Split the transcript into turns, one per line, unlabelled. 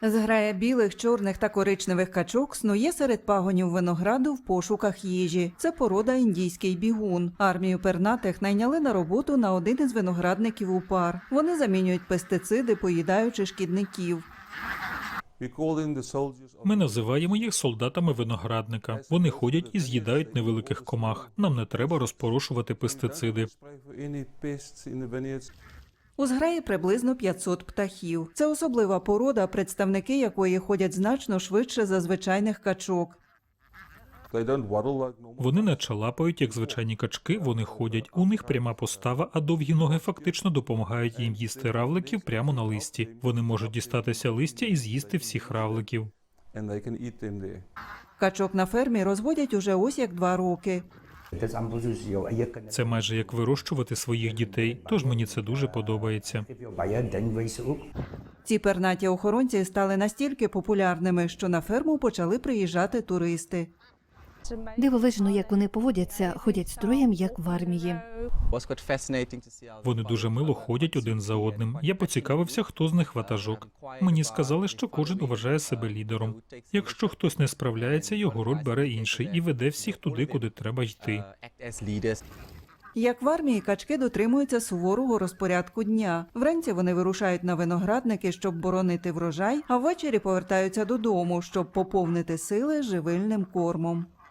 Зграя білих, чорних та коричневих качок снує серед пагонів винограду в пошуках їжі. Це порода індійський бігун. Армію пернатих найняли на роботу на один із виноградників у пар. Вони замінюють пестициди, поїдаючи шкідників.
Ми називаємо їх солдатами виноградника. Вони ходять і з'їдають невеликих комах. Нам не треба розпорошувати пестициди.
У зграї приблизно 500 птахів. Це особлива порода, представники якої ходять значно швидше за звичайних качок.
Вони не чалапають, як звичайні качки, вони ходять. У них пряма постава, а довгі ноги фактично допомагають їм їсти равликів прямо на листі. Вони можуть дістатися листя і з'їсти всіх равликів.
Качок на фермі розводять уже ось як 2 роки.
Це майже як вирощувати своїх дітей, тож мені це дуже подобається.
Ці пернаті охоронці стали настільки популярними, що на ферму почали приїжджати туристи.
Дивовижно, як вони поводяться, ходять строєм, як в армії.
Вони дуже мило ходять один за одним. Я поцікавився, хто з них ватажок. Мені сказали, що кожен вважає себе лідером. Якщо хтось не справляється, його роль бере інший і веде всіх туди, куди треба йти.
Як в армії, качки дотримуються суворого розпорядку дня. Вранці вони вирушають на виноградники, щоб боронити врожай, а ввечері повертаються додому, щоб поповнити сили живильним кормом.